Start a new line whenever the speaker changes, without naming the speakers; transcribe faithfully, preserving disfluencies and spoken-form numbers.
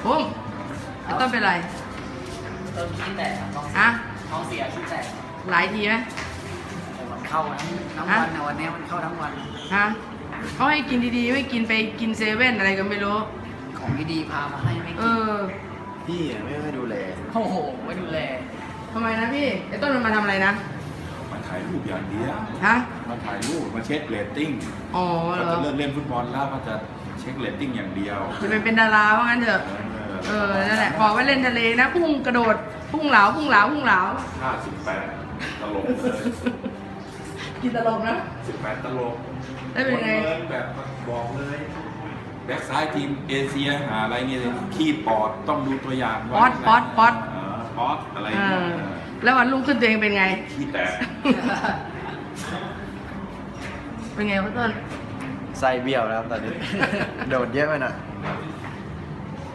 ปุ้มไอ้ต้นเป็นไร
ต้นขี้แตกท้อง
ฮะ
ท้องเสียขี้แตก
หลายทีไหม
โอ้มันเข้าทั้งทั้งวันนะวันนี้มันเข้าทั้งวัน
ฮะเขาให้กินดีๆไม่กินไปกินเซเว่นอะไรก็ไม่รู้
ของดีๆพามาให้ไม่
เอ
กิน
อ
พี่อะไม่ค่อยดูแล
โอ้โหไม่ดูแล
ทำไมนะพี่ไอ้ต้นมันมาทำอะไรนะ
มาถ่ายรูปอย่างเดียว
ฮะ
มาถ่ายรูปมาเช็คเรตติ้ง
อ๋อเหร
ก็
อ
จะเลิกเล่นฟุตบอลแล้วก็จะเช็คเรตติ้งอย่างเดียว
จะไปเป็นดาราว่างั้นเถอะเออนั่นแหละบอกว่าเล่นทะเลนะพุ่งกระโดดพุ่งเหลาพุ่งเหลาพุ่งเหลา
ห้าสิบแปดตลกเลย
กินตลกนะ
สิบแปดตลก
ได้เป็นไง
คนเลยแบบบอกเลยแบ็กซ้ายทีมเอเชียหาอะไรเงี้ยขี้ปอดต้องดูตัวอย่างไว้
ป๊อตป๊อตป๊อต
เออป๊อตอะไร
เอ
เงี้ย
อแล้ววันรุ่งขึ้นตัวเองเป็นไง
ขี้แตก
เป็นไงพ่อต้น
ไส้เบี้ยวแล้วครับตอนนี้ โดดเยอะไปหน่อย